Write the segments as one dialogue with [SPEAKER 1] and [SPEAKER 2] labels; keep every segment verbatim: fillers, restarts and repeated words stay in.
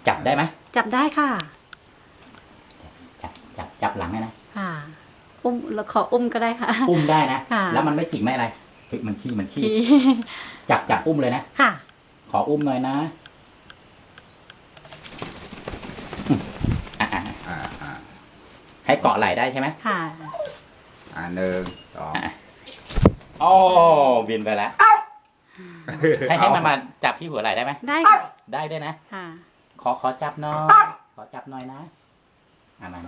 [SPEAKER 1] จับได้ไหม
[SPEAKER 2] จับได้ค่ะ
[SPEAKER 1] จับจับจับหลังได้นะ
[SPEAKER 2] ค่ะอุ้มเราขออุ้มก็ได้ค่ะ
[SPEAKER 1] อุ้มได้นะ
[SPEAKER 2] ค่ะ
[SPEAKER 1] แล้วมันไม่จิกไม่อะไรเฮ้ยมันขี้มันขี้จับจับอุ้มเลยนะ
[SPEAKER 2] ค่ะ
[SPEAKER 1] ขออุ้มหน่อยนะอ่าอ่าอ่าให้เกาะไหล่ได้ใช่ไหม
[SPEAKER 2] ค่ะ
[SPEAKER 3] อ่าหนึ่งสอง
[SPEAKER 1] โอ้บินไปแล้วให้ให้มันมาจับที่หัวไหล่ได้ไหม
[SPEAKER 2] ได้ค่ะ
[SPEAKER 1] ได้ด้วยนะ
[SPEAKER 2] ค่ะ
[SPEAKER 1] ขอขอจับหน่อยขอจับหน่อยนะอ่ามา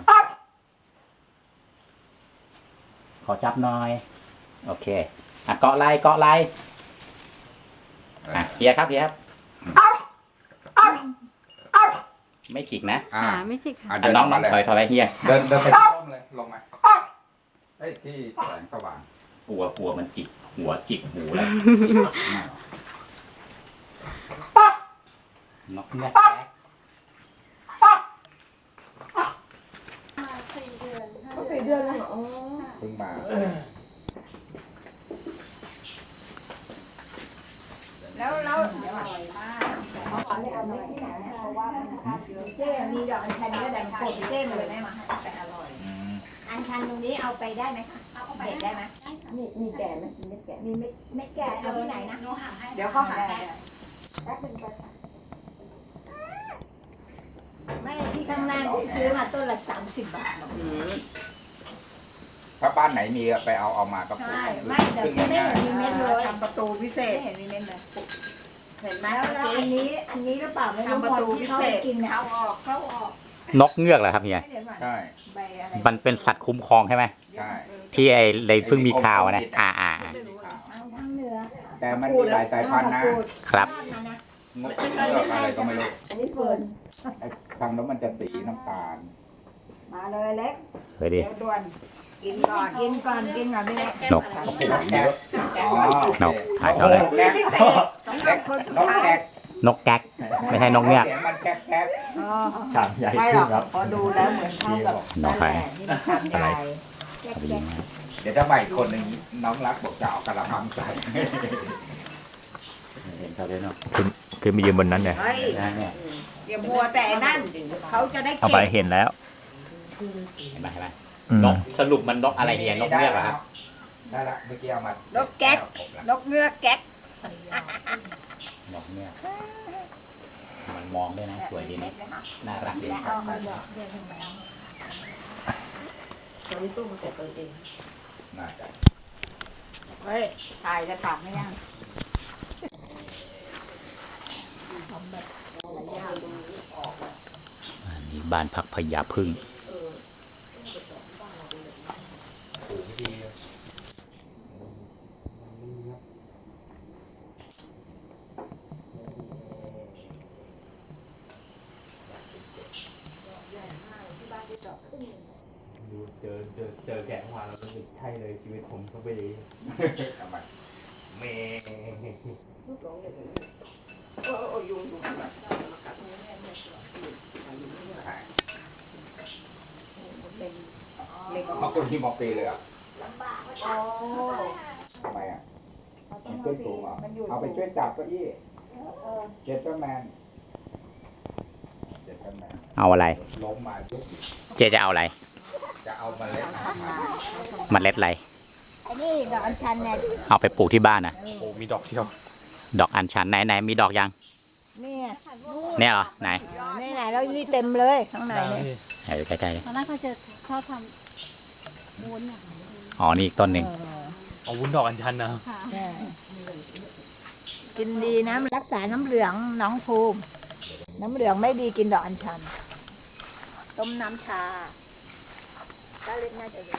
[SPEAKER 1] ขอจับหน่อยโอเคอ่ะเกาะไหล่เกาะไหล่อ่ะเฮียครับเฮียครับไม่จิกนะ
[SPEAKER 3] อ่า
[SPEAKER 2] ไม่จิกค่ะ
[SPEAKER 1] อ่ะน้องน้องถอยถอยไปเฮีย
[SPEAKER 3] เดินเดินไปที่ร่มเลยลงมาเฮ้ยที่แสงสว่าง
[SPEAKER 1] กลัวกลัวมันจิกหัวจิกหูแล้วนกแม่แจ๊ก
[SPEAKER 4] สี่เดือนแล้วเหรอ
[SPEAKER 3] เพิ่งมา
[SPEAKER 4] แล้วแล้วอร่อยมากเขาบอกให้เอามาที่ไหนเพราะว่ามันคาดเยอะเจ๊มีดอกอัญชันก็ดังโคตรเจ๊เลยแม่มาให้แต่อร่อยอัญชันตรงนี้เอาไปได้ไหมคะเอาไปได้ไหมมีมีแก่ไหมมีเม็ดแก่มีเม็ดเม็ดแก่เอาที่ไหนนะเดี๋ยวเขาหาให้แป๊บนึงก่อนไม่ที่ข้างล่างที่ซื้อมาต้นละสามสิบบาท
[SPEAKER 3] ถ้าบ้านไหนมีไปเอาเอามาก็ปลูก
[SPEAKER 4] ใช่ไม่แต่ที่ไม่เห็นมีเม็ดเลย
[SPEAKER 5] ทำประตูพิเศษ
[SPEAKER 4] ไม่เห็นมีเม็ดเลย
[SPEAKER 5] เห็นไหม
[SPEAKER 4] แล้วแล้วอันนี้อันนี้หรือเปล่าไม่รู้
[SPEAKER 5] ทำประตูพิเศษ
[SPEAKER 4] กินเนี่ย
[SPEAKER 5] เข้าออกเข้าออก
[SPEAKER 1] นกเงือกเหรอครับเฮีย
[SPEAKER 3] ใช่
[SPEAKER 4] ใบอะไร
[SPEAKER 1] มันเป็นสัตว์คุ้มครองใช่ไหม
[SPEAKER 3] ใช่
[SPEAKER 1] ที่ไอ้เลยเพิ่งมีข่าวนะอ่าอ่า
[SPEAKER 4] ทางเหนือ
[SPEAKER 3] แต่มันมีหลายสายพันธุ์นะครับ นกเงือกอะไรก็ไม่รู้
[SPEAKER 4] อันนี้เฟิร์น
[SPEAKER 3] ไอ้ทางนั้นมันจะสีน้ำตาล
[SPEAKER 4] มาเลยเล็ก
[SPEAKER 1] สวยดี
[SPEAKER 4] เดี๋ยวด่วนกินก่อนกินก่อนกินก่อนไม่ได้
[SPEAKER 1] นก
[SPEAKER 3] โอ้โหเยอะอ๋อน
[SPEAKER 1] กถ่ายเท่าไหร่
[SPEAKER 3] แก๊ก
[SPEAKER 4] พิเศษสำห
[SPEAKER 3] แก๊
[SPEAKER 4] รับ
[SPEAKER 3] ก
[SPEAKER 4] คนสุด
[SPEAKER 3] นก
[SPEAKER 4] ท้าย
[SPEAKER 3] แก๊ก
[SPEAKER 1] นกแก๊กไม่ใช่นกเงือก
[SPEAKER 3] เสียงมันแก๊กแก๊ก
[SPEAKER 4] อ๋อ
[SPEAKER 1] ชามใหญ่
[SPEAKER 4] ไม่หรอกพอดูแล้วเหมือนเท่ากับ
[SPEAKER 1] นกใคร
[SPEAKER 4] นี่มันชามใหญ่แจ๊กแจ๊ก
[SPEAKER 3] เดี๋ยวถ้าใหม่คนหนึ่งน้องรักบอกจะเอากระมังใส่
[SPEAKER 1] เห็นเขาด้วยเนาะ
[SPEAKER 6] คือมายืนบนนั้นเลย
[SPEAKER 4] เฮ้ย
[SPEAKER 1] นะเนี่ย
[SPEAKER 4] อย่ามัวแต่นั่นเขาจะได้
[SPEAKER 6] เอา
[SPEAKER 4] เก็
[SPEAKER 6] ไป
[SPEAKER 4] บ
[SPEAKER 6] เห็นแล้ว
[SPEAKER 1] เห็นไหมเห็นไหม
[SPEAKER 6] อืม
[SPEAKER 1] นกสรุปมันนกอะไรเฮียนกเงือกเหรอครับ
[SPEAKER 3] ได้ละเมื่อกี้เอามาน
[SPEAKER 4] กแก๊กนกเงือกแก๊ก
[SPEAKER 1] นกเงือกมันมองด้วยนะสวยดีนะน่ารักดี
[SPEAKER 4] เอาเอาดอกเดียวทำไม
[SPEAKER 5] ตัวนี้ตู้มันเสร็จตัวเอง
[SPEAKER 3] น่าจะ
[SPEAKER 4] เฮ้ยถ่ายจะตัดไม่ยัง
[SPEAKER 1] อันนี้บ้านพักพญาพึ่ง
[SPEAKER 6] ดูเจอเจอเจอแกะเมื่อวานเรารู้สึกใช่เลยชีวิตผมเขาไป
[SPEAKER 3] ทำไม
[SPEAKER 6] เม
[SPEAKER 3] เอาคนที่มอปีเลยอ่ะ
[SPEAKER 4] โอ้
[SPEAKER 3] ทำไมอ่ะมันขึ้นสูงอ่ะเอาไปช่วยจับเก้าอี้เจตเตอร์แมนเจตเตอร์แมน
[SPEAKER 1] เอาอะไร
[SPEAKER 3] ล้มมายุบ
[SPEAKER 1] เจจะเอาอะไร
[SPEAKER 3] จะเอาเมาเล็ดอาหาร
[SPEAKER 1] เมล็ดอะไร
[SPEAKER 4] ไอ้นี่ดอกอัญชันเนี่ย
[SPEAKER 1] เอาไปปลูกที่บ้านนะ
[SPEAKER 6] โอ้มีดอกเที่ยว
[SPEAKER 1] ดอกอัญชันไหนไหนมีดอกยัง
[SPEAKER 4] เนี่ย
[SPEAKER 1] เนี่ยเหรอไหน
[SPEAKER 4] นี่ไหนแล้วนี่เต็มเลยข้างในเนี่ย
[SPEAKER 1] เออใกล้ๆเลย
[SPEAKER 2] ตอนแรกเขาจะชอบทำวุ้นอ่ะ
[SPEAKER 1] อ๋อนี่อีกต้นหนึ่ง
[SPEAKER 6] เอาวุ้นดอกอัญชันนะ
[SPEAKER 2] ค่ะ
[SPEAKER 4] เออกินดีนะมันรักษาน้ำเหลืองน้องภูมิ น้ำเหลืองไม่ดีกินดอกอัญชัน ต้มน้ำชาถ้าเล็กน่าจะดี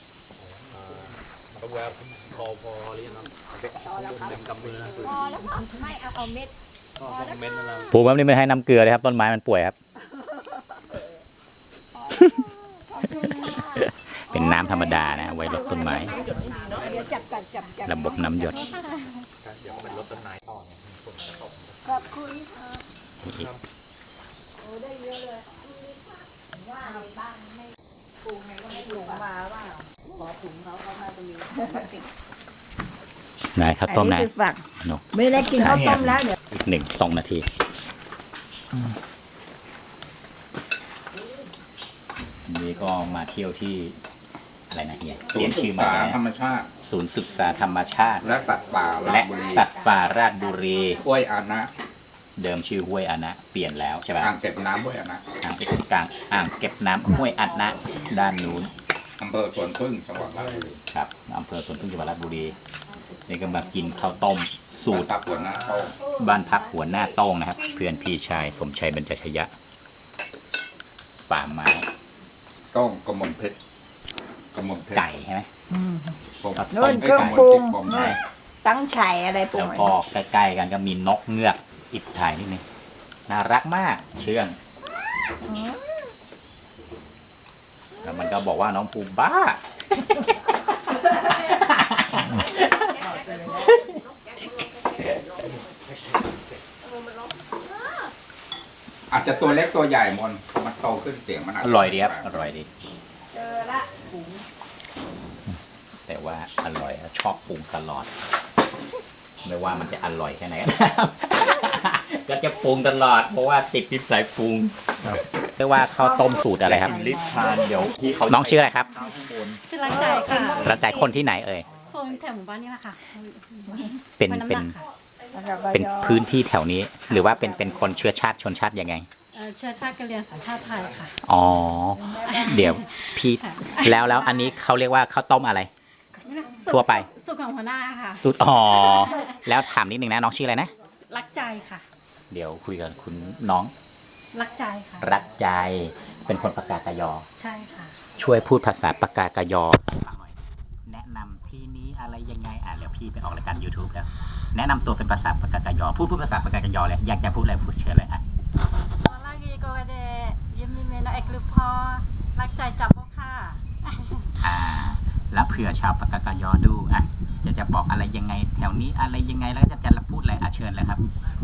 [SPEAKER 6] ก็แบบพอพอหรือยังครับเต็มกำมือนะ
[SPEAKER 4] พอแล้วค่ะไม่เอาเอาเม็ด
[SPEAKER 6] ก็พอเม็ดนั่นแหละ
[SPEAKER 1] ปลูกแบบนี้ไม่ให้น้ำเกลือเลยครับต้นไม้มันป่วยครับ เป็นน้ำธรรมดานะไว้รดต้นไม้
[SPEAKER 4] เดี๋ยวจับกันจับจับ
[SPEAKER 1] ระบบน้ำหยด
[SPEAKER 6] เดี๋ยวเป็นรถต้นไม้ต่อไง
[SPEAKER 4] ขอบคุณค่ะโอ้ได้เยอะเลยว่าในบ้านไม่ปลูกไงก็ไม่ปลูกมาว่าขอถุงเขาเขาน่าจะมี
[SPEAKER 1] ไหนข้าวต้มไหน
[SPEAKER 4] คือฝัก
[SPEAKER 1] นก
[SPEAKER 4] ไม่ได้กินข้าวต้มแล้วเดี๋ยว
[SPEAKER 1] อีกหนึ่งสองนาทีนี่ก็มาเที่ยวที่อะไรนะเนี่ย
[SPEAKER 3] ศู
[SPEAKER 1] เปลี่
[SPEAKER 3] น
[SPEAKER 1] ยน
[SPEAKER 3] ย์ศึ
[SPEAKER 1] ชื่อก มา
[SPEAKER 3] ษา
[SPEAKER 1] แล้ว
[SPEAKER 3] ธรรมชาติ
[SPEAKER 1] ศูนย์ศึกษาธรรมชาติ
[SPEAKER 3] และสัตว์ป่ารา
[SPEAKER 1] และ
[SPEAKER 3] ชบุรี
[SPEAKER 1] สัตว์ป่าราชบุรี
[SPEAKER 3] ห้วยอานะ
[SPEAKER 1] เดิมชื่อห้วยอานะเปลี่ยนแล้วใช่ไหม
[SPEAKER 3] อ่างเก็บน้ำห้วยอานะ
[SPEAKER 1] อ่างเก็บกลางอ่างเก็บน้ำห้วยอานะด้านนู้น
[SPEAKER 3] อำเภอสวนพึ่งจังหวัดราชบุรี
[SPEAKER 1] ครับอำเภอสวนพึ่งจังหวัดราชบุรีนี่ก็มากินข้าวต้มสูตร
[SPEAKER 3] ตับหัวหน้าโต้ง
[SPEAKER 1] บ้านพักหัวหน้าโต้งนะครับ เพื่อนพี่ชายสมชัยบรรจชยะ ป่าไม้
[SPEAKER 3] โต้งกระหม่อมเพชรกระหม่อมเพชร
[SPEAKER 1] ไก่ใช่ไหม
[SPEAKER 3] ผม
[SPEAKER 4] นู่น
[SPEAKER 3] ไอ้
[SPEAKER 4] เครื่อง
[SPEAKER 3] กะหม่
[SPEAKER 4] ปรุ
[SPEAKER 3] ม
[SPEAKER 4] ง
[SPEAKER 3] พชผม
[SPEAKER 4] นู่นตั้งไฉอะไรปรุ
[SPEAKER 1] แล้
[SPEAKER 4] ง
[SPEAKER 1] ว
[SPEAKER 4] ไว้
[SPEAKER 1] ก็ใกล้ๆกันก็มีนกเงือกอิบถ่ายนิดนึงน่ารักมากเชื่องแล้วมันก็บอกว่าน้องภูมิบ้า
[SPEAKER 3] อาจจะตัวเล็กตัวใหญ่มนมันโตขึ้นเสียงมันอาจ
[SPEAKER 1] อ
[SPEAKER 3] จะ
[SPEAKER 1] ร่อยดีครับอร่อยดี
[SPEAKER 4] เจอละ
[SPEAKER 1] แต่ว่าอร่อยชอบปรุงตลอด ไม่ว่ามันจะอร่อยแค่ไหนก็ตาม ก็จะปรุงตลอดเพราะว่าติดนิสัยปรุงเรียกว่าข้าวต้มสูตรอะไรครับ
[SPEAKER 6] ลิปทานเดี๋ยวพี่เขา
[SPEAKER 1] น้องชื่ออะไรครับ
[SPEAKER 2] ชื่อรักใจค่ะ
[SPEAKER 1] แล้วแต่คนที่ไหนเอ่ย
[SPEAKER 2] คนแถวหมู่บ้านนี่แหละค่ะ
[SPEAKER 1] เป็น
[SPEAKER 2] ห้วยำห
[SPEAKER 1] เป็น
[SPEAKER 2] กค่ะ
[SPEAKER 1] เป็นพื้นที่แถวนี้ หรือว่าเป็นเป็นคนเชื้อชาติชนชาติยังไง
[SPEAKER 2] เอ่อเชื้อชาติกะเหรี่ยงสัญชาติไทยค่ะ
[SPEAKER 1] อ๋อ เดี๋ยวพี่แล้วแล้วอันนี้เขาเรียกว่าข้าวต้มอะไร ทั่วไป
[SPEAKER 2] สุขของหัวหน้าค่ะ
[SPEAKER 1] สูตรอ๋อ แล้วถามนิดนึงนะน้องชื่ออะไรนะ
[SPEAKER 2] รักใจค่ะ
[SPEAKER 1] เดี๋ยวคุยกับคุณน้อง
[SPEAKER 2] รักใจค่ะ
[SPEAKER 1] รักใจเป็นคนปากากยอ
[SPEAKER 2] ใช่ค่ะ
[SPEAKER 1] ช่วยพูดภาษาปากกากยอให้ฟังหน่อยแนะนำที่นี้อะไรยังไงอ่ะเดี๋ยวพี่ไปออกรายการ YouTube แล้ว แนะนำตัวเป็นภาษาปากกากยอพูดพูดภาษาปากกากยอเลยอยากจะพูดอะไรพูดเชิญเลยอ่ะ
[SPEAKER 2] lagi ko ada yemi mena ek lupa รักใจจับบ่ค่ะ
[SPEAKER 1] อ่า แล้วเผื่อชาวปากกากยอดูอ่ะจะจะบอกอะไรยังไง แถวนี้อะไรยังไงแล้วจะจะพูดอะไรอ่ะเชิญเลยครับ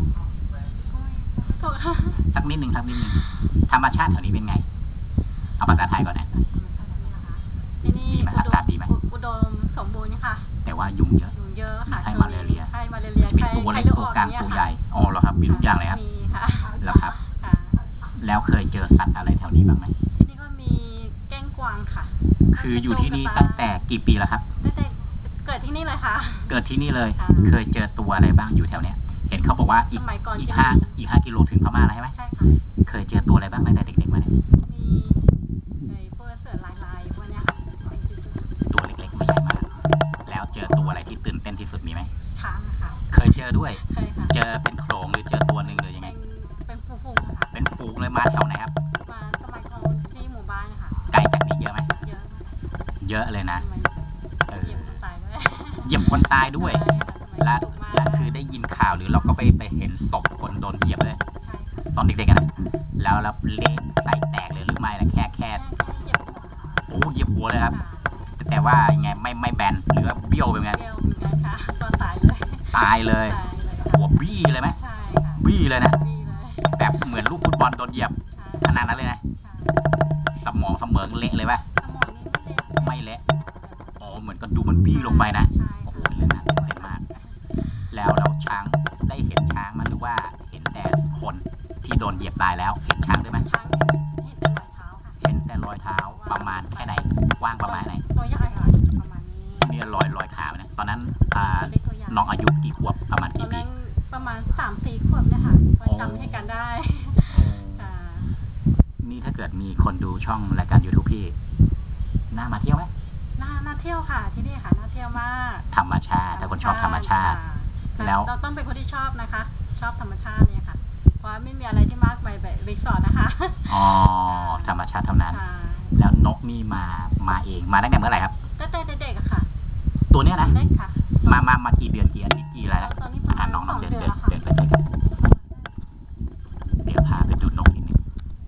[SPEAKER 2] ถูกค่ะ
[SPEAKER 1] สักนิดหนึ่งสักนิดหนึ่งธรรมชาติแถวนี้เป็นไง เอาภาษาไทยก่อนนะ
[SPEAKER 2] ที่นี่
[SPEAKER 1] ดีไหมอากาศดีไหม
[SPEAKER 2] อุดมสมบูรณ์ค่ะ
[SPEAKER 1] แต่ว่ายุงเยอะ
[SPEAKER 2] ยุงเยอะค่ะ
[SPEAKER 1] ไข้
[SPEAKER 2] ช่วง
[SPEAKER 1] มาเลเรีย
[SPEAKER 2] ไข้มาเลเรีย
[SPEAKER 1] มี
[SPEAKER 2] ไข้
[SPEAKER 1] ตัวเล็ก
[SPEAKER 2] ไข้
[SPEAKER 1] ตัว
[SPEAKER 2] ออก
[SPEAKER 1] กลาง
[SPEAKER 2] เนี่ย
[SPEAKER 1] ตัว
[SPEAKER 2] ค่ะ
[SPEAKER 1] ใหญ่อ๋อเหรอครับมีทุกอย่างเลยครับ
[SPEAKER 2] มีค่ะ
[SPEAKER 1] แล้วครับ
[SPEAKER 2] ค่ะ
[SPEAKER 1] แล้วเคยเจอสัตว์อะไรแถวนี้บ้างไหม
[SPEAKER 2] ที่นี่ก็มีแก้งกวางค่ะ
[SPEAKER 1] คืออยู่ที่นี่ตั้งแต่กี่ปีแล้วครับ
[SPEAKER 2] ตั้งแต่เกิดที่นี่เลยค่ะ
[SPEAKER 1] เกิดที่นี่เลย
[SPEAKER 2] ค่ะ
[SPEAKER 1] เคยเจอตัวอะไรบ้างอยู่แถวเนี้ย เห็นเขาบอกว่าอี
[SPEAKER 2] ส
[SPEAKER 1] ก
[SPEAKER 2] มัยก่อน
[SPEAKER 1] อีก
[SPEAKER 2] จะ
[SPEAKER 1] ห้า
[SPEAKER 2] มี
[SPEAKER 1] อีกห้ากิโลถึงพม่าแล้วใช่ไหม
[SPEAKER 2] ใช่ค่ะ
[SPEAKER 1] เคยเจอตัวอะไรบ้างตั้งแต่เด็กๆมาเนี่ย
[SPEAKER 2] มีไอ้พวกเสือลายลายๆพวกเนี้ยค่ะ
[SPEAKER 1] ตัวเล็กๆไม่ใหญ่มาก แล้วเจอตัวอะไรที่ตื่นเต้นที่สุดมีไหม
[SPEAKER 2] ช้างนะคะ
[SPEAKER 1] เคยเจอด้วย
[SPEAKER 2] เคยค่ะ
[SPEAKER 1] เจอเป็นโขลงหรือเจอตัวหนึ่งหรือยังไง
[SPEAKER 2] เป็นเป็นฝูงๆค่ะ
[SPEAKER 1] เป็นฝูงเลยมาแถวไหนครับ
[SPEAKER 2] มาสมัยก่อนที่หมู่บ้านค่ะ
[SPEAKER 1] ไกลจากนี้เยอะไหม
[SPEAKER 2] เยอะมาก
[SPEAKER 1] เยอะเลยนะ
[SPEAKER 2] ทำไม
[SPEAKER 1] เออ
[SPEAKER 2] เหยียบคนตายด้วย
[SPEAKER 1] เหยียบคนตายด้วย
[SPEAKER 2] ใช่ค่ะสมัย
[SPEAKER 1] และ
[SPEAKER 2] ดุมาก
[SPEAKER 1] และคือได้ยินข่าวหรือเราก็ไปไปเห็นศพคนโดนเหยียบเลย
[SPEAKER 2] ใช่ค่ะ
[SPEAKER 1] ตอนเด็กๆกันนะแล้วแล้วเละใส่แตกเลยหรือไม่ล่ะแค่แค่
[SPEAKER 2] แค่เหยียบหัว
[SPEAKER 1] โอ้เหยียบหัวเลยครับ
[SPEAKER 2] ค่ะ
[SPEAKER 1] แต่แต่ว่ายังไงไม่ไม่แบนหรือว่าเบี้ยวไปไง
[SPEAKER 2] เบี้ยวเหมือนกันค่ะก็ตายเลย
[SPEAKER 1] ตายเลย
[SPEAKER 2] ตายเลยค่ะ
[SPEAKER 1] หัวบี้เลยไหม
[SPEAKER 2] ใช่ค่ะ
[SPEAKER 1] บี้เลยนะ
[SPEAKER 2] บี้เลย
[SPEAKER 1] แบบเหมือนลูกฟุตบอลโดนเหยียบ
[SPEAKER 2] ใช่
[SPEAKER 1] ขนาดนั้นเลยนะ
[SPEAKER 2] ใช่
[SPEAKER 1] สมองเสมอเละเลยป่ะ
[SPEAKER 2] สมองนี้ไม่เล็ก
[SPEAKER 1] ไม่เละอ๋อเหมือนก็ดูมันบี้ลงไปนะ
[SPEAKER 2] ใช่
[SPEAKER 1] โอ้โห
[SPEAKER 2] ค่ะ
[SPEAKER 1] เรื่องน่าตื่นเต้นมาก แล้วเราช้างได้เห็นช้างมั้ยหรือว่าเห็นแต่คนที่โดนเหยียบตายแล้ว เห็นช้างด้วยไหม
[SPEAKER 2] ช้างที่เป็นรอยเท้าค่ะ
[SPEAKER 1] เห็นแต่รอยเท้าประมาณแค่ไหนกว้างประมาณไหน
[SPEAKER 2] ตัวใหญ่ค่ะประมาณนี้
[SPEAKER 1] นี่รอยรอยขาเนี่ยตอนนั้นอ่า
[SPEAKER 2] ตัวเล็กตัวใหญ่
[SPEAKER 1] น้องอายุกี่ขวบประมาณ
[SPEAKER 2] ตอ
[SPEAKER 1] กี่
[SPEAKER 2] น
[SPEAKER 1] ปี
[SPEAKER 2] นั้นประมาณสามสี่ขวบเนี่ยค่ะก็จำให้กันได้ค่ะ
[SPEAKER 1] นี่ถ้าเกิดมีคนดูช่องรายการ YouTube พี่น่ามาเที่ยวไหม
[SPEAKER 2] น่าน่าเที่ยวค่ะที่นี่ค่ะน่าเที่ยวมาก
[SPEAKER 1] ธรรมชาติถ้าคนชอบธรรมชาติ
[SPEAKER 2] ค่ะ
[SPEAKER 1] แล้ว
[SPEAKER 2] เราต้องเป็นคนที่ชอบนะคะ ชอบธรรมชาติเนี่ยค่ะ เพราะว่าไม่มีอะไรที่มากไปแบบรีสอร์ทนะคะ
[SPEAKER 1] อ๋อธรรมชาติเท่านั้น
[SPEAKER 2] ค่ะ
[SPEAKER 1] แล้วนกนี่มามาเองมาตั้งแต่เมื่อไหร่ครับ
[SPEAKER 2] ตั้งแต่เด็กๆอะค่ะ
[SPEAKER 1] ตัวเนี้ยนะ
[SPEAKER 2] เล็กค่ะ
[SPEAKER 1] มามามากี่เดือนกี่อาทิตย์กี่อะไรแล้ว
[SPEAKER 2] ตอนนี้ประมา
[SPEAKER 1] อ่า
[SPEAKER 2] ณ
[SPEAKER 1] น้อง
[SPEAKER 2] ส
[SPEAKER 1] น้อ
[SPEAKER 2] อง ง
[SPEAKER 1] เดิน
[SPEAKER 2] เดือน
[SPEAKER 1] เดิน
[SPEAKER 2] แล้วค่ะ
[SPEAKER 1] เดินไปเลยเดี๋ยวพาไปดูนกนิดนึง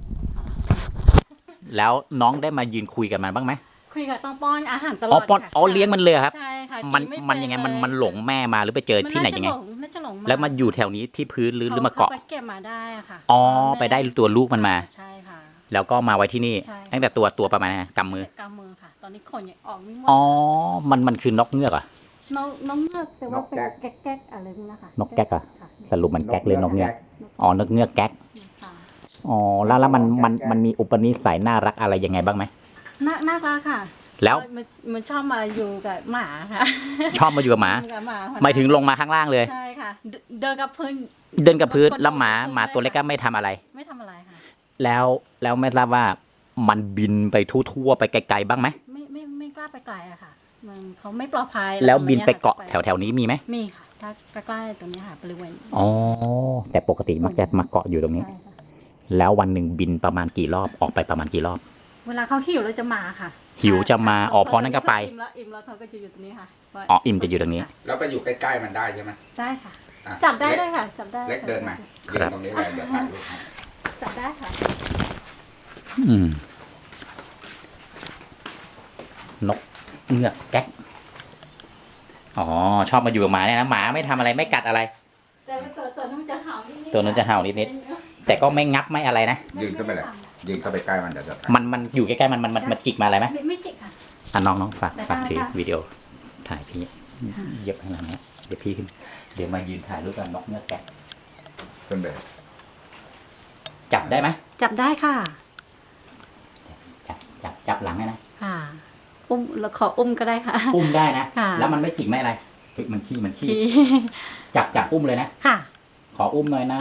[SPEAKER 1] แล้วน้องได้มายืนคุยกับมันบ้างไหม
[SPEAKER 2] คุยกับต้องป้อนอาหารตล
[SPEAKER 1] อ๋
[SPEAKER 2] อ
[SPEAKER 1] อ
[SPEAKER 2] ด
[SPEAKER 1] ปอน
[SPEAKER 2] ค่ะ
[SPEAKER 1] อ๋อเลี้ยงมันเลยครับ
[SPEAKER 2] ใช่ค่ะ
[SPEAKER 1] มัน
[SPEAKER 2] กิไเป็
[SPEAKER 1] มันยังไงมัน
[SPEAKER 2] เลย
[SPEAKER 1] มันหลงแม่มาหรือไปเจอที่ไหนยังไง
[SPEAKER 2] น่าจะหลง
[SPEAKER 1] แล้วมาอยู่แถวนี้ที่พื้นหรือหรือมาเกาะ
[SPEAKER 2] ขไปเก็บมาได้อะค่ะ
[SPEAKER 1] อ๋อไปได้ตัวลูกมันมา
[SPEAKER 2] ใช่ค่ะ
[SPEAKER 1] แล้วก็มาไว้ที่นี่
[SPEAKER 2] ใช่
[SPEAKER 1] ตั้งแต่ตัวตัวประมาณไหนกำมือ
[SPEAKER 2] กำมือค่ะ ตอนนี้ขนยังออกไม่หมด
[SPEAKER 1] อ๋อมันมันคือนกเงือกเหรอ่ะ
[SPEAKER 2] น้องน้องเงือกแต่ว่าเป็นแก๊กแก๊กๆอะไรนี่นะคะ
[SPEAKER 1] นกแก๊กเหรอ
[SPEAKER 2] ค่ะ
[SPEAKER 1] สรุปมันแก๊กหรือนกเงือกอ๋อนกเงือกแก๊ก
[SPEAKER 2] ค่ะ
[SPEAKER 1] อ๋อแล้วแล้วมันมันมันมีอุปนิสัยน่ารักอะไรยังไงบ้างไหม
[SPEAKER 2] น่าน่ารักค่ะ
[SPEAKER 1] แล้ว
[SPEAKER 2] มันมันชอบมาอยู่กับหมาค่ะ
[SPEAKER 1] ชอบมาอยู่กับหมา
[SPEAKER 2] อยู่กับหมาค่ะ
[SPEAKER 1] หมายถึงลงมาข้างล่างเลย
[SPEAKER 2] ใช่ค่ะเดินเดินกับพื้น
[SPEAKER 1] เดินกับพื้นแล้วหมาหมาตัวเล็กก็ไม่ทำอะไร
[SPEAKER 2] ไม่ทำอะไรค่ะ
[SPEAKER 1] แล้วแล้วไม่ทราบว่ามันบินไปทั่วๆไปไกลๆบ้างไหม
[SPEAKER 2] ไม่ไม่ไม่กล้าไปไกลอะค่ะ มันเขาไม่ปลอดภัย
[SPEAKER 1] แล้วบินไป
[SPEAKER 2] ตรง
[SPEAKER 1] เกาะ
[SPEAKER 2] ค่
[SPEAKER 1] แถวแถวๆนี้มีไหม
[SPEAKER 2] มีค่ะ ถ้าใกล้ๆตรงนี้ค่ะบริเวณ
[SPEAKER 1] อ๋อแต่ปกติมักจะมาเกาะอยู่ตรงนี้
[SPEAKER 2] ใช่ค่ะ
[SPEAKER 1] แล้ววันหนึ่งบินประมาณกี่รอบออกไปประมาณกี่รอบ
[SPEAKER 2] เวลาเขาหิวแล้วจะมาค่ะ
[SPEAKER 1] หิวจะมาอ๋อพอนั้นก็ไป
[SPEAKER 2] อิ่มแล้วอิ่มแล้วเขาก็จะอยู่ตรงนี้ค่ะ
[SPEAKER 1] อ๋ออิ่มจะอยู่ตรงนี้
[SPEAKER 3] แล้วไปอยู่ใกล้ๆมันได้ใช่ไหม
[SPEAKER 2] ได้ค่ะ
[SPEAKER 3] อ่ะ
[SPEAKER 2] จับได้
[SPEAKER 3] เล็ก
[SPEAKER 2] ได้ค่ะ จับได้
[SPEAKER 3] เล็กเดินมายืนตรงนี้เลยเดี๋ยวถ่ายรูปให้
[SPEAKER 2] จับได้ค่ะ
[SPEAKER 1] อืมนกเงือกแก๊กอ๋อชอบมาอยู่กับหมาเนี่ยนะหมาไม่ทำอะไรไม่กัดอะไร
[SPEAKER 2] แต่ว่าตัวตัวนู้นจะเห่านิดๆ
[SPEAKER 1] ตัวนู้นจะเห่านิด แต่ก็ไม่งับไม่อะไรนะ
[SPEAKER 3] ยืนเข้าไปเลยยืนเข้าไปใกล้มันเดี๋ยวจะถ่าย
[SPEAKER 1] มันมันอยู่ใกล้ๆมันมันมันมันจิกมาอะไรไหม
[SPEAKER 2] ไม่ไม่จิกค่ะ
[SPEAKER 1] อ่ะน้องน้องฝาก
[SPEAKER 2] ได้
[SPEAKER 1] ฝากถือ
[SPEAKER 2] ค่ะ
[SPEAKER 1] วิดีโอถ่ายพี่เย็บข้างหลังเนี้ยเดี๋ยวพี่ขึ้นเดี๋ยวมายืนถ่ายรูปกับนกเงือกแก๊ก
[SPEAKER 3] ขึ้นไป
[SPEAKER 1] จับได้ไหม
[SPEAKER 2] จับได้ค่ะ
[SPEAKER 1] จับจับจับหลังได้นะ
[SPEAKER 2] ค่ะ อุ้มเราขออุ้มก็ได้ค่ะ
[SPEAKER 1] อุ้มได้นะ
[SPEAKER 2] ค่ะ
[SPEAKER 1] แล้วมันไม่จิกไม่อะไรเฮ้ยมันขี้มันขี้
[SPEAKER 2] ที่
[SPEAKER 1] จับจับอุ้มเลยนะ
[SPEAKER 2] ค่ะ
[SPEAKER 1] ขออุ้มหน่อยนะ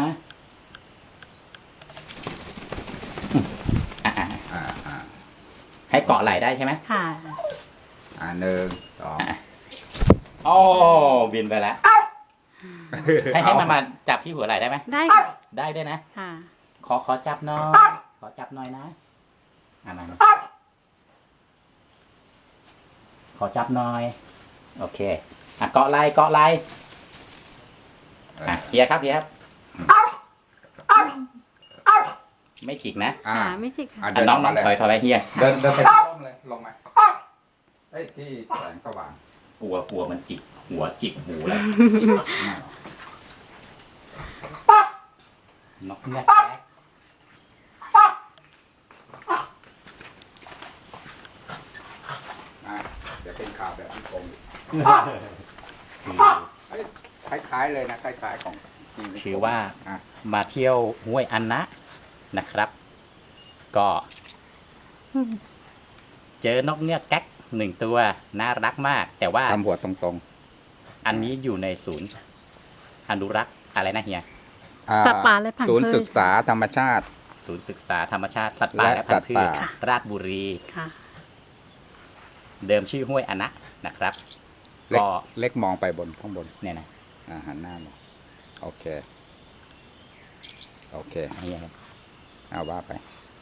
[SPEAKER 1] อืมอ่ะอ่ะ
[SPEAKER 3] อ่าอ่า
[SPEAKER 1] ให้เกาะไหล่ได้ใช่ไหม
[SPEAKER 2] ค่ะ
[SPEAKER 3] อ่าหนึ่งสอง
[SPEAKER 1] โอ้บินไปแล้วให้ให้มันมาจับที่หัวไหล่ได้ไหม
[SPEAKER 2] ได้ค่ะ
[SPEAKER 1] ได้ด้วยนะ
[SPEAKER 2] ค่ะ
[SPEAKER 1] ขอขอจับหน่อยขอจับหน่อยนะอ่ะมามาขอจับหน่อย โอเคอ่ะเกาะไหล่เกาะไหล่อ่ะเฮียครับเฮียครับไม่จิกนะ
[SPEAKER 3] อ่า
[SPEAKER 2] ค่ะไม่จิกค่ะ
[SPEAKER 3] อ่ะ
[SPEAKER 1] อ่ะน้องน้อง
[SPEAKER 3] เลย
[SPEAKER 1] ถอยถอยไปเฮีย
[SPEAKER 3] เดินเดินไปที่ร่มเลยลงมาเอ้ยที่แสงสว่าง
[SPEAKER 1] กลัวกลัวมันจิกหัวจิกหูแล้วนกเงือกแก๊ก
[SPEAKER 3] อ่าเดี๋ยวเป็นข่าวแบบพี่กง
[SPEAKER 1] คือ
[SPEAKER 3] คล้ายๆเลยนะคล้ายๆของจริง
[SPEAKER 1] ถือว่า
[SPEAKER 3] อ่ะ
[SPEAKER 1] มาเที่ยวห้วยอันนะนะครับ ก็ เจอนกเงือกแก๊กหนึ่งตัวน่ารักมาก แต่ว่า
[SPEAKER 3] ทำหัวตรง
[SPEAKER 1] อันนี้อยู่ในศูนย์อนุรักษ์อะไรนะเฮีย
[SPEAKER 3] ๆอ่า
[SPEAKER 2] สัตว์ป่าและพันธุ์
[SPEAKER 3] ศูนย์
[SPEAKER 2] พืช
[SPEAKER 3] ศึกษาธรรมชาติ
[SPEAKER 1] ศูนย์ศึกษาธรรมชาติสัตว์ป่า
[SPEAKER 3] และ
[SPEAKER 1] และพันธุ์พื
[SPEAKER 3] สัต
[SPEAKER 1] ช
[SPEAKER 3] ว์ป่า
[SPEAKER 1] ราชบุรี
[SPEAKER 2] ค่ะ
[SPEAKER 1] เดิมชื่อห้วยอันนะนะครับ
[SPEAKER 3] เล็ก
[SPEAKER 1] ก็
[SPEAKER 3] เล็กมองไปบนข้างบน
[SPEAKER 1] เนี่ยนะ
[SPEAKER 3] อ่าหันหน้ามองโอเค โอเค
[SPEAKER 1] เฮียครับ
[SPEAKER 3] เอาว่าไป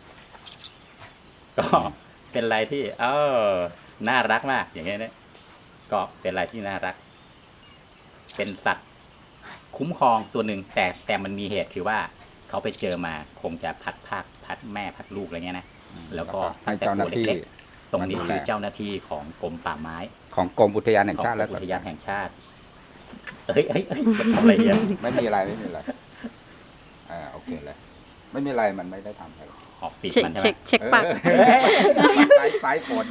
[SPEAKER 1] ก็เป็นอะไรที่ เออน่ารักมากอย่างเงี้ยเนี่ยก็เป็นอะไรที่น่ารัก เป็นสัตว์คุ้มครองตัวหนึ่งแต่แต่มันมีเหตุคือว่าเขาไปเจอมาคงจะพัดภาคพัดแม่พัดลูกอะไรเงี้ยนะ แล้วก็
[SPEAKER 3] ให้เจ้าหน้าที่
[SPEAKER 1] ตั้งแต่ตัวเล็กๆตรงนี้
[SPEAKER 3] มาดู
[SPEAKER 1] คือ
[SPEAKER 3] แล
[SPEAKER 1] เจ้าหน้าที่ของกรมป่าไม้
[SPEAKER 3] ของกรมอุทยานแห่ง
[SPEAKER 1] ของ
[SPEAKER 3] ชาติ
[SPEAKER 1] กร
[SPEAKER 3] และ
[SPEAKER 1] มอุ
[SPEAKER 3] สัต
[SPEAKER 1] ท
[SPEAKER 3] ว์
[SPEAKER 1] ยานแห่งชาติ เอ้ยเอ้ยเอ้ยมันทำอะไรเนี่ย
[SPEAKER 3] ไม่มีอะไรไม่มีอะไรอ่าโอเคเลย ไม่มีอะไรมันไม่ได้ทำอะไร
[SPEAKER 1] ออกปิด
[SPEAKER 2] เช็ค
[SPEAKER 1] มันใช่ไหม
[SPEAKER 2] เช็คเช็คปาก
[SPEAKER 3] เออสายสายฝน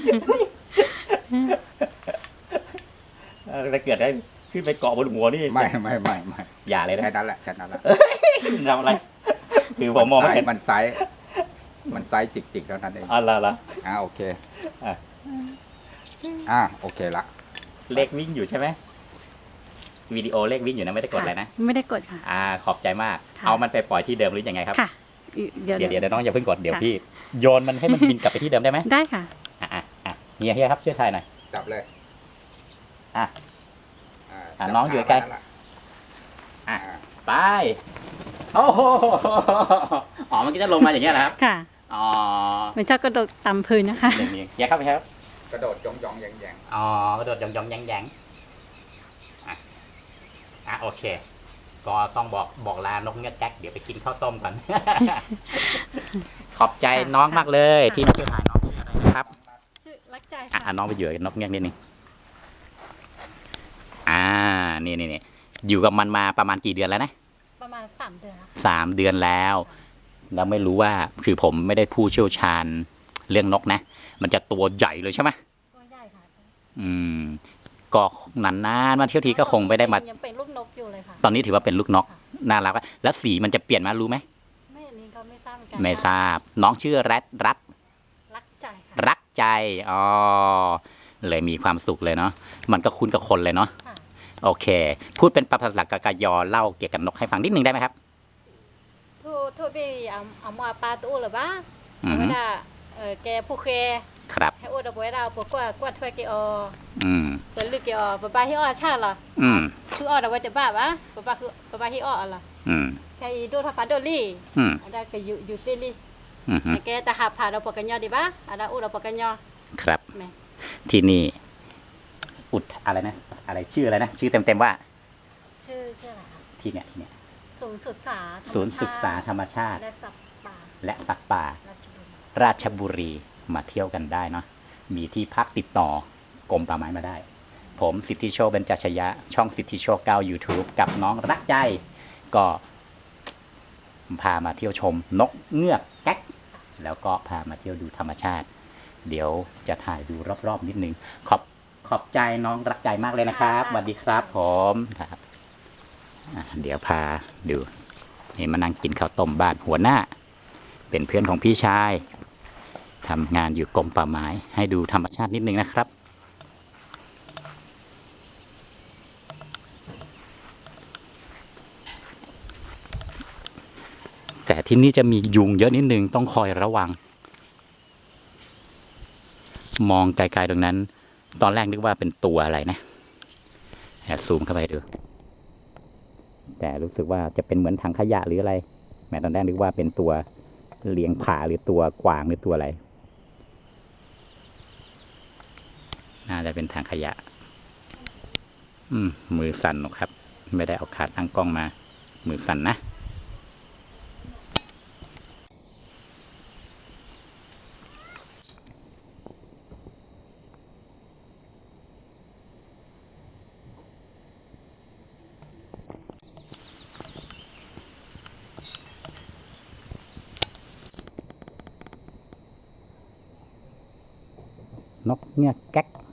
[SPEAKER 1] เออถ้าเกิดได้ขึ้นไปเกาะบนหัวนี่
[SPEAKER 3] ไม่ไม่ไม่ไม่
[SPEAKER 1] อย่าเลยนะ
[SPEAKER 3] แค่นั้นแหละแค่นั้นแหละ
[SPEAKER 1] ทำอะไร คือผมมองไม่เห็น
[SPEAKER 3] มันไซส์มันไซส์จิกๆเท่านั้นเอง
[SPEAKER 1] อะไรล่ะ
[SPEAKER 3] อ่าโอเค
[SPEAKER 1] อ่ะ
[SPEAKER 3] อ่าโอเคละ
[SPEAKER 1] เลขวิ่งอยู่ใช่ไหมวิดีโอเลขวิ่งอยู่นะไม่ได้กดอะไรนะ
[SPEAKER 2] ไม่ได้กดค่ะ
[SPEAKER 1] อ่าขอบใจมาก
[SPEAKER 2] ค่ะ
[SPEAKER 1] เอามันไปปล่อยที่เดิมหรือยังไงครับ
[SPEAKER 2] ค่ะ เดี๋ยว
[SPEAKER 1] เดี๋ยวเดี๋ยวเดี๋ยวน้องอย่าเพิ่งกดเดี๋ยว
[SPEAKER 2] ค่ะ
[SPEAKER 1] พี่โยนมันให้มันบินกลับไปที่เดิมได้ไหม
[SPEAKER 2] ได้ค่ะ
[SPEAKER 1] อ่ะอ่ะอ่ะเฮียเฮียครับช่วยถ่ายหน่อย
[SPEAKER 3] จับเลย
[SPEAKER 1] อ่ะ
[SPEAKER 3] อ่า
[SPEAKER 1] อ่ะ
[SPEAKER 3] จับ
[SPEAKER 1] น้องอยู่ใกล้
[SPEAKER 3] ขาไว้นั่นแหะ
[SPEAKER 1] อ่ะ
[SPEAKER 3] อ่า
[SPEAKER 1] ไปโอ้โหอ๋อมันก็จะลงมาอย่างเงี้ยนะครับ
[SPEAKER 2] ค่ะ
[SPEAKER 1] อ๋อ
[SPEAKER 2] มันชอบกระโดดต่ำพื้นนะคะ
[SPEAKER 1] อย่างนี้เฮียครับเฮียครับ
[SPEAKER 3] กระโดดยองยองแยงแยง
[SPEAKER 1] อ๋อกระโดดยองยองแยงแยงอ่ะอ่ะโอเค ก็ต้องบอกบอกลานกเงือกแก๊กเดี๋ยวไปกินข้าวต้มก่อน ขอบใจน้องมากเลย ที่มาช่วยถ่ายน้องชื่ออะไรนะครับ
[SPEAKER 2] ชื่อรักใจ
[SPEAKER 1] อ่ะ
[SPEAKER 2] ค่ะ
[SPEAKER 1] อ่ะน้องไปอยู่กับนกเงือกนิดนึงอ่านี่นี่นี่อยู่กับมันมาประมาณกี่เดือนแล้วนะ
[SPEAKER 2] ประมาณสามเดือนแล้วค่ะ
[SPEAKER 1] สามเดือนแล้ว แล้วไม่รู้ว่าคือผมไม่ได้ผู้เชี่ยวชาญเรื่องนกนะ มันจะตัวใหญ่เลยใช่ไหม
[SPEAKER 2] ตัวใหญ่ค่ะ
[SPEAKER 1] อืมก็นานๆมาเที่ยวทีก็คงไม่ได้มา
[SPEAKER 2] ยังเป็นลูกนกอยู่เลยค่ะ
[SPEAKER 1] ตอนนี้ถือว่าเป็นลูกนกน่ารักอะแล้วสีมันจะเปลี่ยนมารู้ไหม
[SPEAKER 2] ไม่อันนี้ก็ไม่ทราบเหมือน
[SPEAKER 1] ไม่ทราบน้องชื่อแรดรัก
[SPEAKER 2] รักใจค่ะ
[SPEAKER 1] รักใจอ๋อเลยมีความสุขเลยเนาะมันก็คุ้นกับคนเลยเนาะ
[SPEAKER 2] ค่ะ
[SPEAKER 1] โอเค พูดเป็นภาษากากยอเล่าเกี่ยวกับนกให้ฟังนิดนึงได้ไหมครับ
[SPEAKER 2] ทูทูบีเอาเอามาปลาตู้หรือบ้า
[SPEAKER 1] อือฮึ
[SPEAKER 2] เวลาเออแกผู้เค
[SPEAKER 1] ครับ
[SPEAKER 2] ให้อุดเอาไว้เราปกว่ากว่าถ้วยเกอ
[SPEAKER 1] อืม
[SPEAKER 2] เปิดลึกเกอปะปาฮิอ้อชาเหรอ
[SPEAKER 1] อืม
[SPEAKER 2] คืออ้อเอาไว้จะบ้าวะปะปาคือปะปาฮิอ้อเหรอ
[SPEAKER 1] อืม
[SPEAKER 2] แกอีโดทับปาโดลี่
[SPEAKER 1] อืม
[SPEAKER 2] อันนั้นก็อยู่อยู่ที่นี่
[SPEAKER 1] อืมฮึ
[SPEAKER 2] แกแต่หาผ่าเราปกันยอดีบ้าอันนั้นอุดเราปกันยอ
[SPEAKER 1] ครับ
[SPEAKER 2] แม่
[SPEAKER 1] ที่นี่ อุดอะไรนะ อะไรชื่ออะไรนะ ชื่อเต็มๆว่า
[SPEAKER 2] ชื่อชื่ออะไรคะ
[SPEAKER 1] ที่เนี่ยที่เนี่ย
[SPEAKER 2] ศูนย์ศึกษาธรรม
[SPEAKER 1] ศูนย์ศึกษา
[SPEAKER 2] ชติ
[SPEAKER 1] ธรรมชาติ
[SPEAKER 2] และสัตว์ป่า
[SPEAKER 1] และสัตว์ป่า
[SPEAKER 2] ราชบุรี
[SPEAKER 1] ราชบุรีมาเที่ยวกันได้เนาะ มีที่พักติดต่อกรมป่าไม้มาได้ ผมสิทธิโชคเบญจชยะ ช่องสิทธิโชคเก้า YouTube กับน้องรักใจ ก็พามาเที่ยวชมนกเงือกแก๊ก แล้วก็พามาเที่ยวดูธรรมชาติ เดี๋ยวจะถ่ายดูรอบๆนิดนึง ขอบขอบใจน้องรักใจมากเลยนะครับสวัสดีครับผมครับอ่ะเดี๋ยวพาดูนี่มานั่งกินข้าวต้มบ้านหัวหน้า เป็นเพื่อนของพี่ชายทำงานอยู่กรมป่าไม้ให้ดูธรรมชาตินิดนึงนะครับ แต่ที่นี่จะมียุงเยอะนิดนึงต้องคอยระวัง มองไกลๆตรงนั้น ตอนแรกนึกว่าเป็นตัวอะไรนะแอบซูมเข้าไปดู แต่รู้สึกว่าจะเป็นเหมือนถังขยะหรืออะไร แม้ตอนแรกนึกว่าเป็นตัวเลี้ยงผาหรือตัวกวางหรือตัวอะไร น่าจะเป็นถังขยะ อืม มือสั่นนะครับ ไม่ได้เอาขาตั้งกล้องมา มือสั่นนะ นกเงือกแก๊ก